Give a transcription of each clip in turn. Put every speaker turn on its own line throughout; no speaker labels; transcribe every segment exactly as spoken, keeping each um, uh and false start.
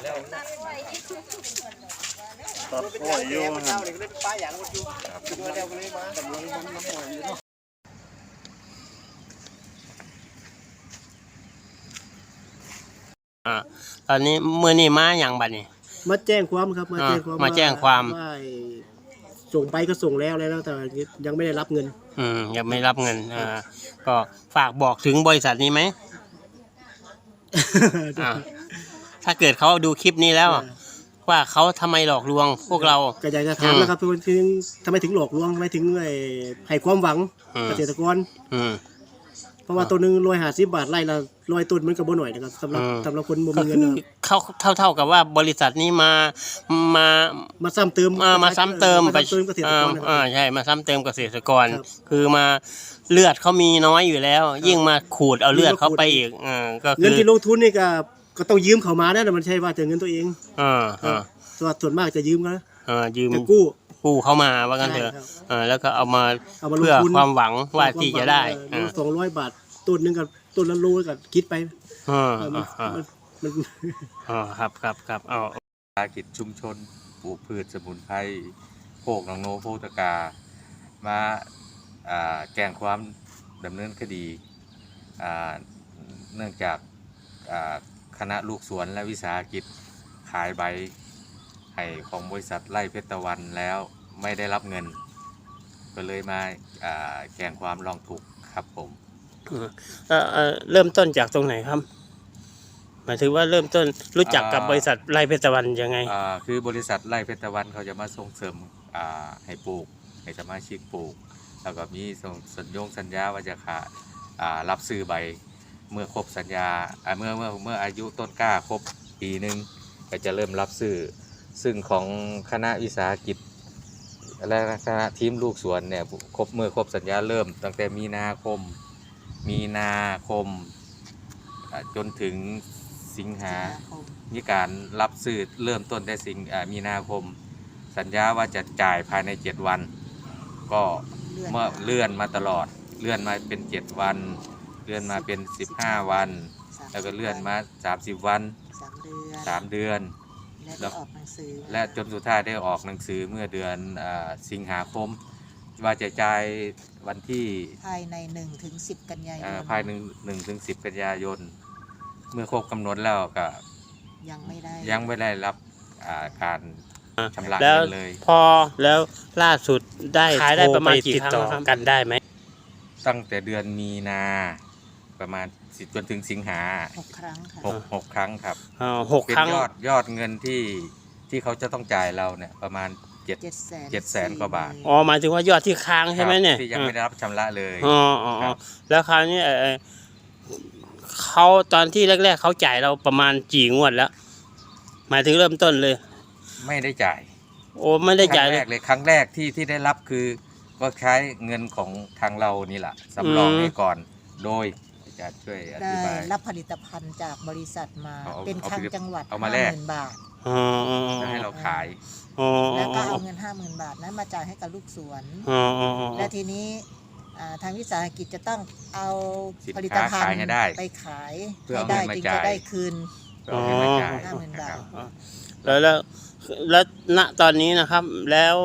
ตัดไว้
ตัดอ้อยอยู่ฮะ
อ่าตอนนี้เมื่อนี่มาอย่างบัดนี้
มาแจ้งความครับมาแจ้งความ
มาแจ้งความ
ว่าส่งไปก็ส่งแล้วแล้วแต่ยังไม่ได้รับเงิน
อืมยังไม่รับเงินอ่าก็ฝากบอกถึงบริษัทนี้ไหม อ่าถ้าเกิดเขาดูคลิปนี้แล้วว่าเขาทำไมหลอกลวงพวกเรา
ก็อยากจะถามนะครับถึงทำไมถึงหลอกลวงทำไมถึงให้ความหวังเกษตรกรเพราะว่าตัวหนึ่งร้อยห้าสิบบาทไร่ละร้อยต้นมันก็บ่หน่อยนะครับสำหรับสำหรับคนบ่มีเงิน
เขาเท่าเท่ากับว่าบริษัทนี้มามา
มาซ้ำเติม
มาซ้ำเติมไปอ่าใช่มาซ้ำเติมเกษตรกรคือมาเลือดเขามีน้อยอยู่แล้วยิ่งมาขูดเอาเลือดเขาไปอีกอ่าก็คือ
เงินที่ลงทุนนี่ก็ก็ต้องยืมเขามานะมันใช่ว่าจะเงินตัวเอง
อ่าอ่า
ส่วนมากจะยืมกัน
อ่ายืม
กู้
กู้เข้ามาว่ากันเถอะอ่าแล้วก็เอามาเพื่อความหวังว่าที่จะได้
สองร้อยบาทต้นนึงกับต้นละโลก็คิดไป
อ่า
อ่ามัน
อ๋อครับครับครับเอา
ภารกิจชุมชนปลูกพืชสมุนไพรโคกหนองโนโพตกามาแจ้งความดำเนินคดีเนื่องจากคณะลูกสวนและวิสาหกิจขายใบให้ของบริษัทไร่เพชรตะวันแล้วไม่ได้รับเงินก็เลยมาแจ้งความร้องทุกข์ครับผม
เริ่มต้นจากตรงไหนครับหมายถึงว่าเริ่มต้นรู้จักกับบริษัทไร่เพชรตะวันยังไง
คือบริษัทไร่เพชรตะวันเขาจะมาส่งเสริมให้ปลูกให้สมาชิกปลูกแล้วก็มีสัญญงสัญญาว่าจะขารับซื้อใบเมื่อครบสัญญาเมื่อเมื่อเมื่ออายุต้นกล้าครบปีหนึ่งก็จะเริ่มรับซื้อซึ่งของคณะวิสาหกิจและคณะทีมลูกสวนเนี่ยครบเมื่อครบสัญญาเริ่มตั้งแต่มีนาคมมีนาคมจนถึงสิงหามีการรับซื้อเริ่มต้นได้สิงมีนาคมสัญญาว่าจะจ่ายภายในเจ็ดวันก็เมื่อเลื่อนมาตลอดเลื่อนมาเป็นเจ็ดวันเลื่อนมาเป็นสิบห้าวันแล้วก็เลื่อนมาสามสิบวันสามเดือน
และออกหนังสือ
และจนสุดท้ายได้ออกหนังสือเมื่อเดือนสิงหาคมว่าจะจ่ายวันที่
ภายในหนึ่งถึงสิบกันยายน
ภายในหนึ่งถึงสิบกันยายนเมื่อครบกำหนดแล้วก็
ยังไม่ได้
ยังไม่ได้รับการชำระ
เงิ
นเลย
พอแล้วล่าสุดได้ขายได้ประมาณกี่ครั้งกันได้ไหม
ตั้งแต่เดือนมีนาประมาณจนถึงสิงหา
หกครั้งค่ะ
หกหกครั้งครับ
อ๋อหกครั้ง
ยอดยอดเงินที่ที่เขาจะต้องจ่ายเราเนี่ยประมาณเจ็ดเจ็ดแสนกว่าบาท
อ๋อหมายถึงว่ายอดที่ค้างใช่ไหมเนี่ย
ที่ยังไม่ได้รับชำระเลย
อ๋ออ๋อแล้วคราวนี้เขาตอนที่แรกๆเขาจ่ายเราประมาณกี่งวดแล้วหมายถึงเริ่มต้นเลย
ไม่ได้จ่าย
โอ้ไม่ได้จ่าย
ครั้งแรกเลยครั้งแรกที่ที่ได้รับคือก็ใช้เงินของทางเรานี่แหละสำรองให้ก่อนโดยจะช่วยอธิบาย
รับผลิตภัณฑ์จากบริษัทมาเป็นคลังจังหวัด
ห้าหมื่น
บาท
จะให้เราขาย
แล้วก็เอาเงินห้าหมื่นบาทนั้นมาจ่ายให้กับลูกสวนและทีนี้ทางวิสาหกิจจะต้องเอาผลิตภัณฑ์ไปขายให้ได้จึงจะได้คืนห้าหมื่นบาท
แล้วแล้วแล้วณตอนนี้นะครับแล้ว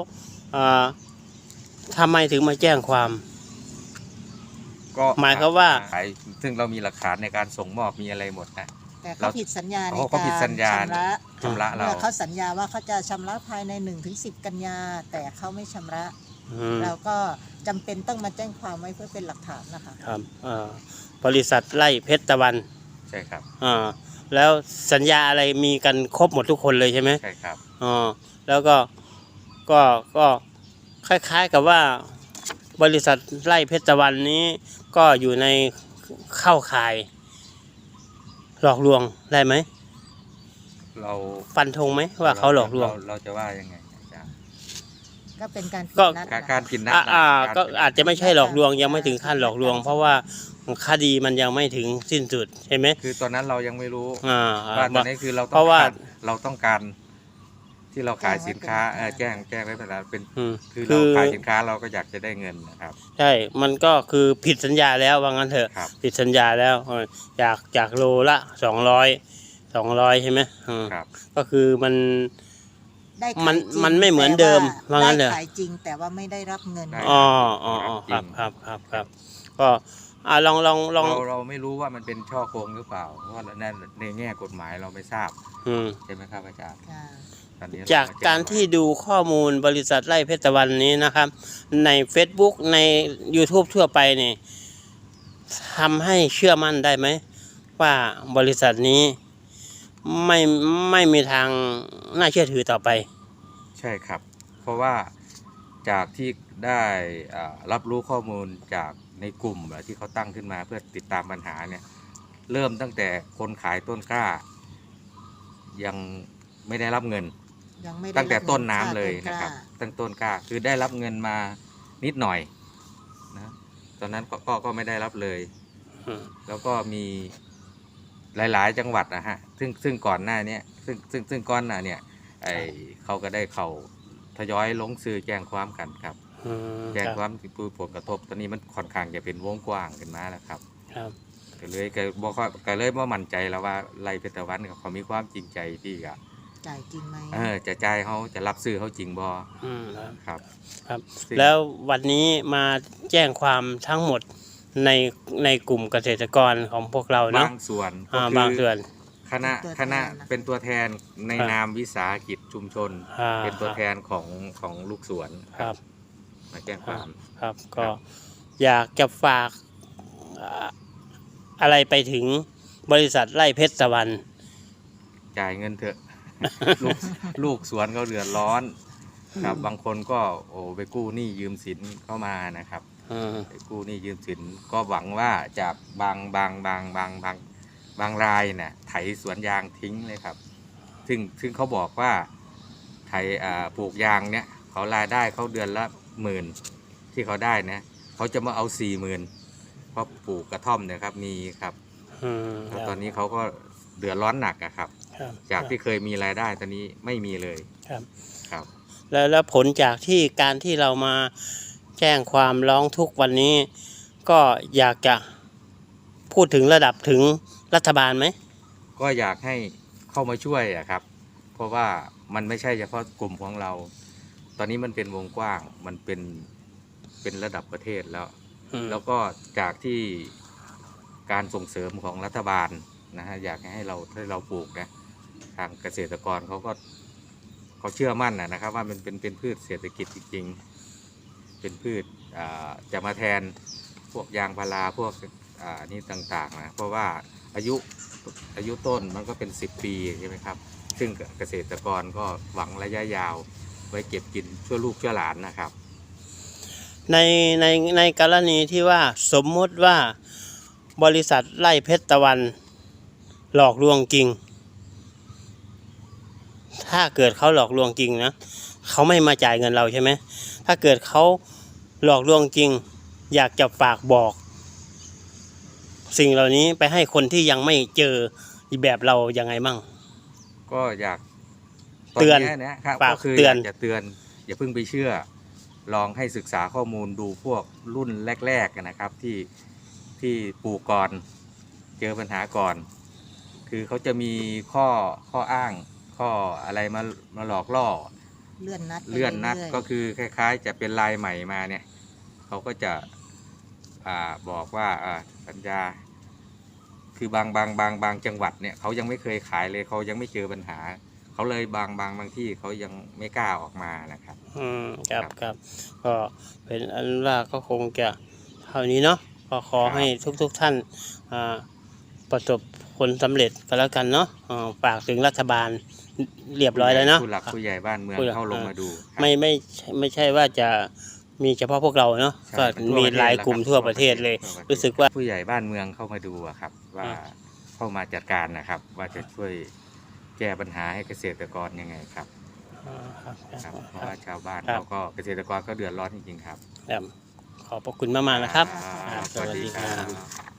ทำไมถึงมาแจ้งความ
ก็
หมายความว่า
ซึ่งเรามีหลักฐานในการส่งมอบมีอะไรหมดนะ
แต่เขาผิดสัญญาใน
การชำระชำระเรา
เขาสัญญาว่าเขาจะชำระภายในหนึ่งถึงสิบกันยาแต่เขาไม่ชำระเราก็จำเป็นต้องมาแจ้งความไว้เพื่อเป็นหลักฐานนะคะ
ครับบริษัทไร่เพชรตะวัน
ใช่ครับ
อ่าแล้วสัญญาอะไรมีกันครบหมดทุกคนเลยใช่ไหม
ใช่ครับ
อ๋อแล้วก็ก็ก็คล้ายๆกับว่าบริษัทไร่เพชรตะวันนี้ก็อยู่ในเข้าข่ายหลอกลวงได้ไหม
เรา
ฟันธงไหมว่าเขาหลอกลวง
เราจะว่ายังไง
ก็เป็นการ
ก็
การกินนัด
อ่าก็อาจจะไม่ใช่หลอกลวงยังไม่ถึงขั้นหลอกลวงเพราะว่าคดีมันยังไม่ถึงสิ้นสุดใช่ไหม
คือตอนนั้นเรายังไม่รู้
ว่า
ตอนนี้คือเราเพราะว่าเราต้องการที่เราขายสินค้าแจ้งแจ้งไว้แล้วเป็นคือเราขายสินค้าเราก็อยากจะได้เงินนะครับ
ใช่มันก็คือผิดสัญญาแล้วว่างั้นเถอะผิดสัญญาแล้วจากจากโลละสองร้อยสองร้อยใช่ไหมอืม
ครับ
ก็คือมัน
ได้ขาย
มัน
จริง
มันไม่เหมือนเดิม
แต่
ว่างั้นเหรอ
ได้ขายจริงแต่ว่าไม่ได้รับเงิน
ได้
อ๋ออ๋ออ๋อครับครับครับครับก็อ่าลองลองลอง
เราเราไม่รู้ว่ามันเป็นช่อโกงหรือเปล่าเพราะว่าในในแง่กฎหมายเราไม่ทราบ
อืม
ใช่ไหมครับอาจารย์
ค่ะ
ตอนนี้
จากการที่ดูข้อมูลบริษัทไร่เพชรตะวันนี้นะครับ ใน Facebook ใน YouTube ทั่วไปนี่ทำให้เชื่อมั่นได้ไหมว่าบริษัทนี้ไม่ไม่มีทางน่าเชื่อถือต่อไป
ใช่ครับ เพราะว่าจากที่ได้อ่ารับรู้ข้อมูลจากในกลุ่มที่เขาตั้งขึ้นมาเพื่อติดตามปัญหาเนี่ยเริ่มตั้งแต่คนขายต้นกล้า ยังไม่ได้รับเงิน
ยังไม่ได้
ตั้งแต่
รับงิ
ต้นน้ำ
ค่า
เลย
ต้ก
นะ
ล้า
ครับตั้งต้นกล้าคือได้รับเงินมานิดหน่อยนะตอนนั้นก็ก็ก็ไม่ได้รับเลย
อืม
แล้วก็มีหลาย ๆ จังหวัดนะฮะซึ่งซึ่งก่อนหน้าเนี้ยซึ่งซึ่งซึ่งก้อนหน้าเนี่ยไอเขาก็ได้เขาทยอยลงซื้อแจ้งความกันครับ
อืม
แจ้ง
ครับ
ความที่ผู้ผลกระทบตอนนี้มันค่อนข้างจะเป็นวงกว้างขึ้นมาแล้วครับ
ครับ
ก็เลยก็บอกว่าก็เลยว่ามั่นใจแล้วว่าไรเพชรตะวันเขามีความจริงใจที่จะ
จ่ายจริงไหม
เออจะจ่ายเขาจะรับซื้อเขาจริงบ่
อืมครับ
ครับ
ครับ
ซึ่ง
แล้ววันนี้มาแจ้งความทั้งหมดในในกลุ่มเกษตรกรของพวกเราเนาะ
บางส่วนก็
อ่า
คื
บาง
อ
ส่วน
คณะคณะเป็นตัวแทนใน
ครับ
นามวิสาหกิจชุมชน
อ่า
เป็นตัวแทนของของลูกสวน
ครับ
มาแจ้งความ
ครับ
ค
ก็
รับ
อยากจะฝากอ่าอะไรไปถึงบริษัทไร่เพชรตะวัน
จ่ายเงินเถอะ ลูกลูกสวนเขาเดือดร้อนครับบางคนก็โอ้ไปกู้หนี้ยืมสินเข้ามานะครับ
อืม
ไปกู้หนี้ยืมสินก็หวังว่าจากบางบางบางบางบางบางรายเนี่ยไถสวนยางทิ้งเลยครับ ซึ่งซึ่งเขาบอกว่าไถอ่าปลูกยางเนี่ยเขารายได้เขาเดือนละหมื่นที่เขาได้นะเขาจะมาเอาสี่หมื่นเพราะปลูกกระท่อมเนี่ยครับมีครับ
อืม
แล้วตอนนี้เขาก็เดือดร้อนหนักอะครับ
ครับ
จากที่เคยมีรายได้ตอนนี้ไม่มีเลย
ครับ
ครับ
แล้วแล้วผลจากที่การที่เรามาแจ้งความร้องทุกข์วันนี้ ก็อยากจะพูดถึงระดับถึงรัฐบาลไหม
ก็อยากให้เข้ามาช่วยอะครับ เพราะว่ามันไม่ใช่เฉพาะกลุ่มของเรา ตอนนี้มันเป็นวงกว้างมันเป็นเป็นระดับประเทศแล้ว
อืม
แล้วก็จากที่การส่งเสริมของรัฐบาลนะฮะอยากให้เราให้เราปลูกนะทางเกษตรกรเขาก็เขาเชื่อมั่นนะนะครับว่ามันเป็นเป็นพืชเศรษฐกิจจริงๆ เป็นพืชอ่าจะมาแทนพวกยางพาราพวกอ่านี่ต่างๆนะเพราะว่าอายุอายุต้นมันก็เป็นสิบปีใช่ไหมครับ ซึ่งเกษตรกรก็หวังระยะยาวไว้เก็บกินชั่วลูกชั่วหลานนะครับ
ในในในกรณีที่ว่าสมมุติว่าบริษัทไร่เพชรตะวันหลอกลวงจริง ถ้าเกิดเขาหลอกลวงจริงนะเขาไม่มาจ่ายเงินเราใช่ไหมถ้าเกิดเขาหลอกลวงจริง อยากจะฝากบอก สิ่งเหล่านี้ไปให้คนที่ยังไม่เจอแบบเรายังไงมั่ง
ก็อยาก
เตือน
ตยนะครับ
ฝาก
ก็คือ
เตื
อ
อน
ยากจะเตือนอย่าเพิ่งไปเชื่อ ลองให้ศึกษาข้อมูลดูพวกรุ่นแรกๆนะครับ ที่ที่ปลูกก่อนเจอปัญหาก่อน คือเขาจะมีข้อข้ออ้าง ข้ออะไรมามาหลอกล่อ
เลื่อนนัดไป
เลื่อนนัด
รื่ยๆ
ก็คือคล้ายๆ จะเป็นลายใหม่มาเนี่ยเขาก็จะอ่าบอกว่าอ่าสัญญา คือบางบางบางบางจังหวัดเนี่ยเขายังไม่เคยขายเลยเขายังไม่เจอปัญหา เขาเลยบางบางบางที่เขายังไม่กล้าออกมานะครับ
อืมครับครับก็เป็นอันว่าก็คงจะเท่านี้เนาะก็ขอ
ครับ
ให้ทุกๆท่านอ่าประสบผลสำเร็จก็แล้วกันเนาะอ่าฝากถึงรัฐบาลเรียบร้อยแล้วเนาะ
ผู้หลักผู้ใหญ่บ้านเมือง
ผู้หลัก
เข้าลงมาดูครับ
ไม่ไม่ไม่ใช่ว่าจะมีเฉพาะพวกเราเนาะ
ใช่
ก็
ทั่ว
มี
ประเทศ
หลาย
แว
กลุ่ม
ครับ
ทั่วประเทศเลย
ทั่วประเทศ
รู้สึกว่า
ผู้ใหญ่บ้านเมืองเข้ามาดูอะครับ ว่า
อ่า
เข้ามาจัดการนะครับ ว่าจะช่วยแก้ปัญหาให้เกษตรกรยังไงครับ
อ่าครับค
ค
รั
รั
บบ
เพราะว่าชาวบ้าน
ครับ
เขาก็เกษตรกรก็เดือดร้อนจริงๆครับ
ครับขอบพระคุณมากๆนะครับ
ครับ
ครับ
สวัสดี
สวัสดี
ค
ครั
รับ บ